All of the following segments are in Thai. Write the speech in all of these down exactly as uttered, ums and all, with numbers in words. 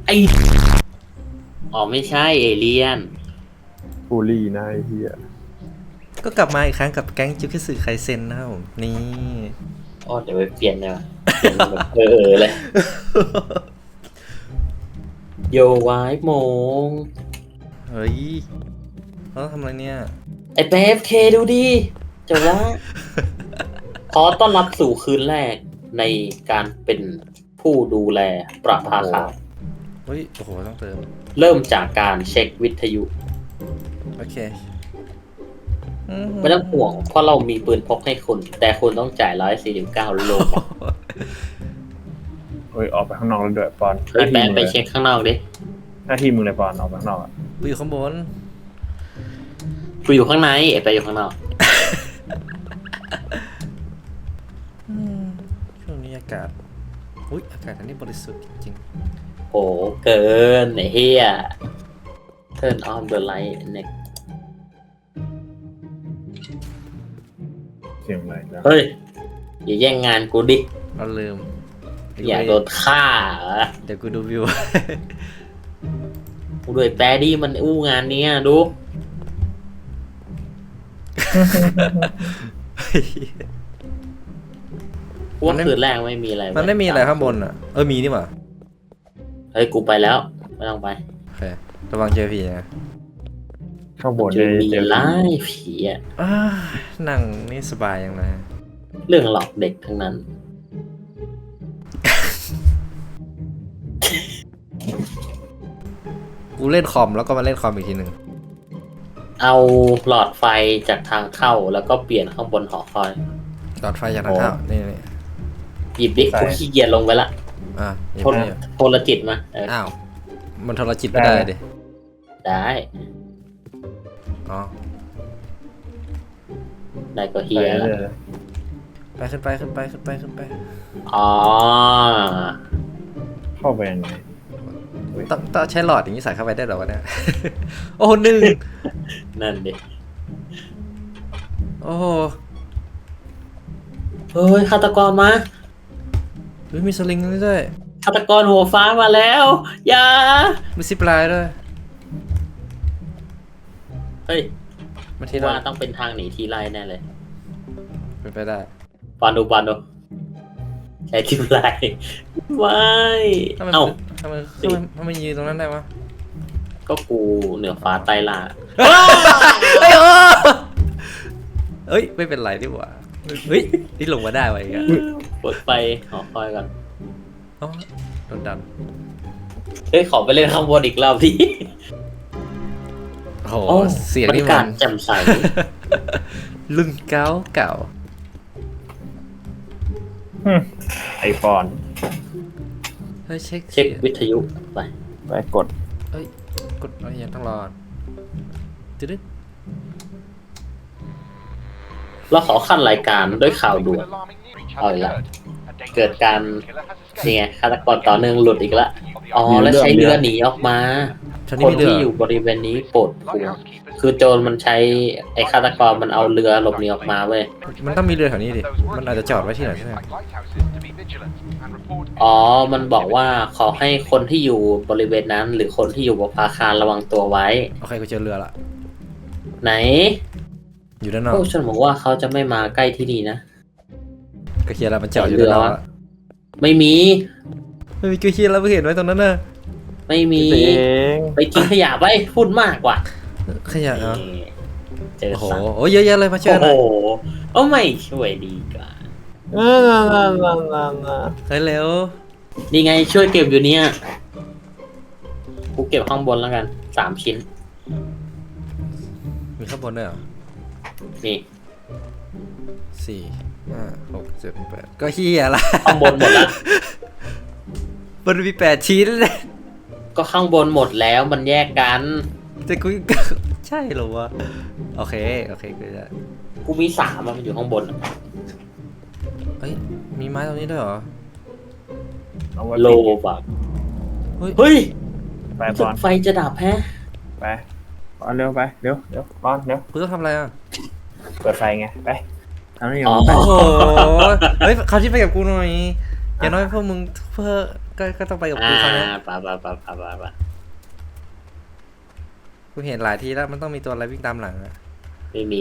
ไออ๋อไม่ใช่เอเลี่ยนบูลลี่นะไอ้เหี้ยก็กลับมาอีกครั้งกับแก๊งจิวคิสึไคเซ็นนะครับผมนี่อ๋อเดี๋ยวไปเปลี่ยนเลยว่ะเปลี่ยนแบบเออเออเลยโยวายโมงเฮ้ยเราต้องทำอะไรเนี่ยไอเปฟเคดูดิจบแล้วขอต้อนรับสู่คืนแรกในการเป็นผู้ดูแลประภาคารเฮ้ยโอ้โหต้องเติมเริ่มจากการเช็ควิทยุโอเคไม่ต้องห่วงเพราะเรามีปืนพกให้คุณ แต่คุณต้องจ่ายร้อยสี่สิบเก้าโลเฮ้ยออกไปข้างนอกแล้วด้วยปอนหเฮ้ยน้าแปที่นมึงไปเลยเช็คข้างนอกดิหน้าที่มึงเลยปอนออกไปข้างนอกอ่ะกูอยู่ข้างบนกูอยู่ข้างในไอ้ไปอยู่ข้างนอกช่วงนี้อากาศอุ้ยอากาศอันนี้บริสุทธิ์จริงโหเกินไอ้เฮีย Turn on the light next เสียงอะไรนะเฮ้ย อย่าแย่งงานกูดิๆเราลืมอยากโดนฆ่าเหรอเดี๋ยวกูดูวิวกูด้วยแปรดี้มันอู้งานเนี้ยดู พวกคืนแรกไม่มีอะไรมันไม่มีอะไรข้างบนอ่ะเออมีนี่หว่าเฮ้ยกูไปแล้ว ไม่ต้องไปโอเคระวังเจอผีนะข้างบนเจเลอย มีเจอไล่ผีอะอ้านั่งนี่สบายยังไงเรื่องหลอกเด็กทั้งนั้นกูเล่นคอมแล้วก็มาเล่นคอมอีกทีหนึ่งเอาหลอดไฟจากทางเข้าแล้วก็เปลี่ยนข้างบนหอคอยหลอดไฟจากทางเข้านี่นี่หยิบดิกูขี้เกียจลงไปละอ่ะอย่าโทรเพิ่งโทรจิตมาเอออ้าวมันโทรจิตไม่ได้ดิได้อ๋อได้ก็เฮีไปยเลแล้วยไปขึ้นไปขึ้นไปขึ้นไปขึ้นไปอ๋อเข้าไปยังไงต้องต้องใช้หลอดอย่างนี้ใส่เข้าไปได้เหรอวะเนี่ย โอ้โหหนึ่งนั่นดิโอ้โหเฮ้ยฆาตกรมาเฮ้ยมีสลิงนี่ด้วยฆาตกรหัวฟ้ามาแล้วอย่ามีซิปไลน์ด้วยเฮ้ยมาคิที่ดเราว่าต้องเป็นทางหนีทีไล่แน่เลยเป็นไปได้ปอนดูปอนดูใช้ทีไล่ไม่ทำไมเอ้าทำไมทำไมทำไมยืนตรงนั้นได้วะก็กูเหนือฟ้าใต้ล่าเฮ้ยโอ้เฮ้ยไม่เป็นไรดีกว่าเฮ้ยนี่ลงมาได้วะอีกอะเปิดไฟหอคอยก่อนอ๋อโดนดันเฮ้ยขอไปเล่นข้างบนอีกรอบดิโอ้โหโอ้เสียงบรรนี่ยามักาศนแจ่มใสรุ่นเก่าเก่าหึไอปอนเฮ้ยเช็คเช็ควิทยุไปไปกดเอ้ยกดอะไรยังต้องรอตึ๊ดเราขอขั้นรายการด้วยข่าวด่วน เอาอีกละเกิดการนี่ไงฆาตกรต่อเนื่องหลุดอีกละอ๋อแล้วใช้เรือหนีออกมาฉันคนี่นไม่เลืที่ออยู่บริเวณนี้โปรดพวงคือโจรมันใช้ไอ้ฆาตกรมันเอาเรือหลบหนีออกมาเว้ยมันต้องมีเรือแถวนี้ดิมันอาจจะจอดไว้ที่ไหนใช่ไหมอ๋อมันบอกว่าขอให้คนที่อยู่บริเวณนั้น หรือคนที่อยู่บนอาคารระวังตัวไว้โอเคกูเจอเรือละไหนอยู่ด้านนอกพวกฉันบอกว่าเขาจะไม่มาใกล้ที่นี่นะก็เคียร์แล้วมันจอดอยู่ด้านนอกละไม่มีไม่มีกูเคียร์แล้วเพิ่งเห็นไว้ตรงนั้นน่ะไม่มีเองไปทิ้งขยะไปพูดมากกว่าขยะเหรอนี่เจอโอ้โหสัตว์โอ้เยอะแยะเลยมาช่วยโอ้หโหน่อยโอ้ไม่ช่วยดีกว่าน่าน่าน่าน่าน่าน่าเฮ้ยเร็วนี่ไงช่วยเก็บอยู่เนี่ยกูเก็บข้างบนแล้วกันสามชิ้นมีข้างบนด้วยเหรอนี่สี่ห้าหกเจ็ดแปดก็เฮียละข้างบนหมดละมันมีแปดชิ้นเลยก็ข้างบนหมดแล้วมันแยกกันแต่กู ใช่เหรอวะโอเคโอเคกูจะกูมีสามอะมันอยู่ข้างบนอะเอ้ยมีไม้ตรงนี้ด้วยเหรอเอาไว้โลปิดบักเฮ้ยเฮ้ยไปปจุอดนไฟจะดับแฮะไปปอนเร็วไปเร็วเร็วปอนเร็วกูต้องทำอะไรอ่ะเปิดไฟไงไปทำนี่อ๋อไปโอ้โหเฮ้ยเขาที่ไปกับกูหน่อยอย่างน้อยพวกมึงเพื่อก็ก็ต้องไปกับอ่ากูคราวเนี้ยปะปะปะปะปะปะกูเห็นหลายทีแล้วมันต้องมีตัวอะไรวิ่งตามหลังอะไม่มี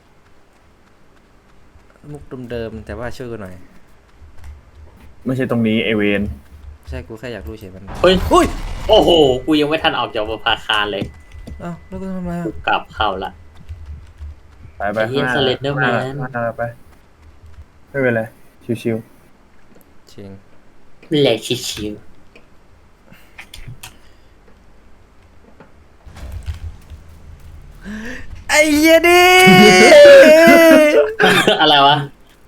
มุกเดิมๆแต่ว่าช่วยกูหน่อยไม่ใช่ตรงนี้เอเวนไม่ใช่กูแค่อยากรู้เฉยมันเฮ้ยอุ้ยโอ้โห กูยังไม่ทันออกจากประภาคารเลยเอ้าแล้วกูทำไมกูอะกลับเข้าละไปไปไอ้เหี้ยข้างหน้า Slenderman ข้างหน้าไปไม่เป็นไรชิวจริงแหลกชิวไอ้เหี้ยดิๆ อะไรวะ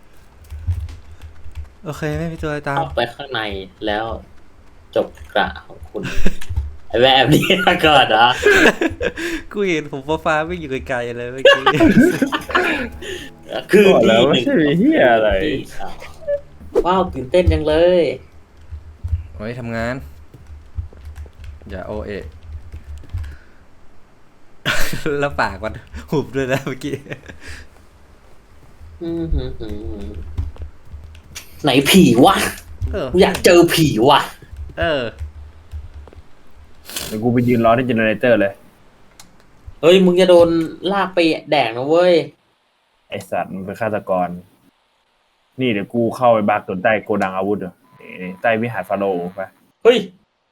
โอเคไม่มีตัวอะไรตามเข้าไปข้างในแล้วจบกระของคุณ ไอ้แบบนี้มาก่อนเหรอกูเห็นผมฟ้าๆวิ่งอยู่ไกลๆเลยเมื่อกี้คือๆบอกแล้วที่ไม่หนึ่งใช่เฮียอะไรที่สองว้าวตื่นเต้นจังเลยโอ้ยทำงาน อย่าโอเอะ แล้วปากมันหุบด้วยนะเมื่อกี้อื้อหือหือไหนผีวะเออกูอยากเจอผีวะเออเดี๋ยวกูไปยืนรอที่เจเนเรเตอร์เลยเฮ้ย มึงจะโดนลากไปแดกนะเว้ยไอสัตว์มันเป็นฆาตกร นี่เดี๋ยวกูเข้าไปบักจนใต้โกดังอาวุธเหรอนี่ใต้วิหารฟาโรห์ไปเฮ้ย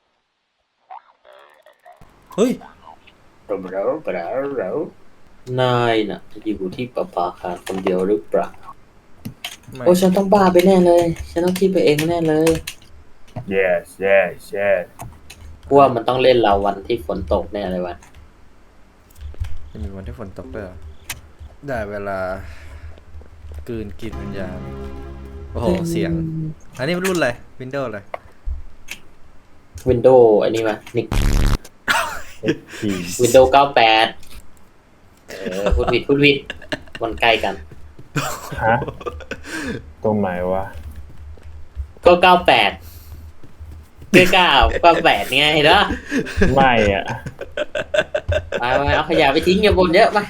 เฮ้ยเราเราเรานายน่ะอยู่ที่ประภาคารคนเดียวหรือเปล่าไม่โอ้ฉันต้องบ้าไปแน่เลย ฉันต้องคิดไปเองแน่เลย yes yes yes กูว่ามันต้องเล่นเราวันที่ฝนตกแน่เลยวะจะมีวันที่ฝนตกด้วยเหรอได้เวลากลืนกินวิญญาณ โอ้โห เสียง อันนี้มันรุ่นอะไรวินโดว์อะไรวินโดว์อันนี้มานิกทีวินโดว์เก้าแปดเออพูดผิดพูดผิดมันใกล้กันฮะตรงไหนวะก็เก้าแปดเก้าเก้าเก้าแปดไงเนาะไม่อ่ะไปไปเอาขยะไปทิ้งอย่าบนเยอะไป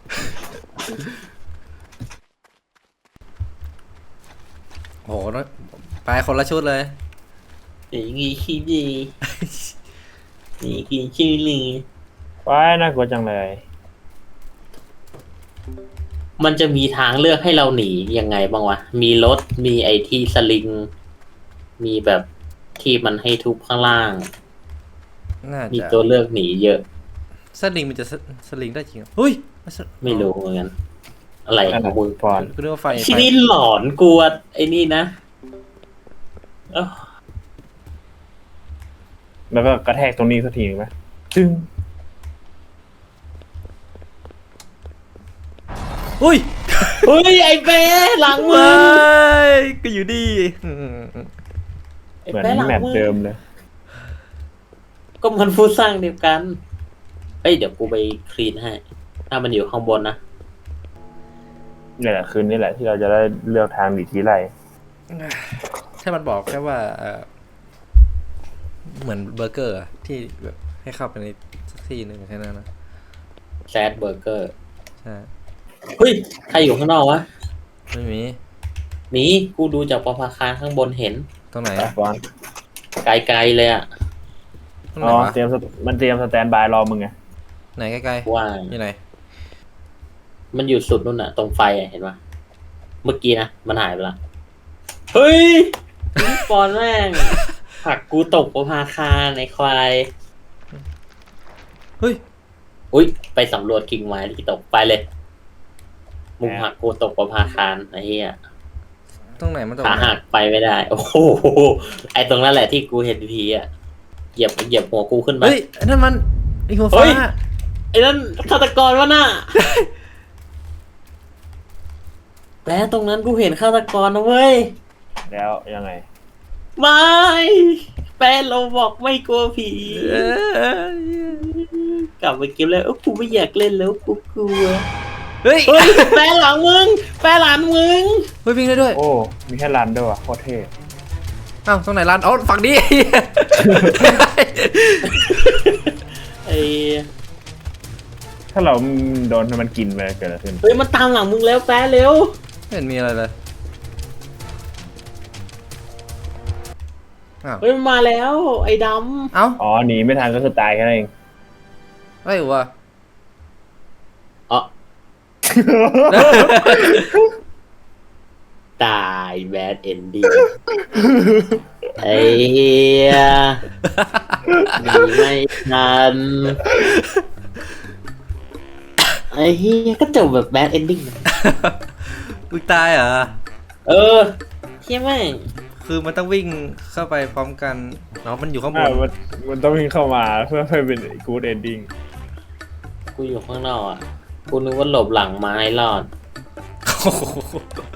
โอ้โหน้อยไปคนละชุดเลยอย่างงี้ขี้ดีนี่กินชื่อลีว้ายน่ากลัวจังเลยมันจะมีทางเลือกให้เราหนียังไงบ้างวะ มีรถ มีไอที่สลิง มีแบบที่มันให้ทุบข้างล่างน่ามีจะตัวเลือกหนีเยอะสลิงมันจะสสลิงได้จริงเหรอเฮ้ยไม่รู้เหมือนกัน อะไรของมึงฟอนกูนึกว่าไฟที่ไฟนี่หลอนกลัวไอ้นี่นะเอ้าแล้วก็กระแทกตรงนี้สักทีนึงไหมจึ้งอุ้ยเฮ้ย ไอ้เป้หลังมึไม่งก็อยู่ดีอืมไอ้เหมือนเป้หลังแมตช์มึงเดิมเลยก็มันฟูดสร้างเดียวกันเฮ้ย เดี๋ยวกูไปคลีนให้ ถ้ามันอยู่ข้างบนนะนี่แหละคืนนี่แหละที่เราจะได้เลือกทางหนีทีไรแค่มันบอกแค่ว่าเอ่อเหมือนเบอร์เกอร์อะที่แบบให้เข้าไปในสักที่หนึ่งแค่นั้นนะแซดเบอร์เกอร์ใช่เฮ้ย ใครอยู่ข้างนอกวะไม่มีหนีกูดูจากประภาคารข้างบนเห็นตรงไหนไปอะฟอนไกลๆเลยอะตรงไหอ๋นอวะเตรียมสมันเตรียมสแตนบายรอมึงไงไหนใกล้ว่าๆอยู่ไหนมันอยู่สุดนู่นอะตรงไฟอะเห็นปะเมื่อกี้นะ มันหายไปละ เฮ้ยปอนแม่งผลักกูตกประภาคารในควายเฮ้ยอุ้ย ไปสำรวจกิ่งไม้ที่ตกไปเลยมุมหักกูตกประภาคารไอ้เหี้ยตรงไหนมันตรงขาไหนหักไปไม่ได้ โอ้โหไอ้ตรงนั้นแหละที่กูเห็นทีอะเหยียบเหยียบหัวกูขึ้นไปเฮ้ยอันนั่นมันไอหัวเฮ้ฟ้ายไอ้นั่นฆาตกรวะน่ะ แล้วตรงนั้นกูเห็นฆาตกรนะเว้ยแล้วยังไงไม่แฟนเราบอกไม่กลัวผีเอ้ยกลับไปเก็บแล้วเอ้ากูไม่อยากเล่นแล้วกูกลัวเฮ้ยเฮ้ยแฟนหลังมึงแฟนหลังมึงเฮ้ยวิ่งได้ด้วยโอ้มีแค่รันด้วยว่ะโคตรเท่อ้าวตรงไหนร้านอ๋อฝั่งนี้ไอ้ถ้าเราโดนมันกินไปเกิดอะไรขึ้นเฮ้ยมันตามหลังมึงแล้วแฟนเร็วไม่เห็นมีอะไรเลยอ้าวเฮ้ยมันมาแล้ว ไอ้ดเอ้าอ๋อหนีไม่ทันก็คือตายแค่นั้นเองไม่วะำอ๋อตายแบดเอนดิ้งไอ้เหี้ยหนีไม่ทันไอ้เหี้ยก็จบแบบแบดเอนดิ้งมึงตายเหรอเออเที่ยแม่งคือมันต้องวิ่งเข้าไปพร้อมกันเนาะมันอยู่ข้างบอ่าน มันมันต้องวิ่งเข้ามาเพื่อให้เป็น good ending กูอยู่ข้างนอกอ่ะ กูนึกว่าหลบหลังไม้รอดโอ้โห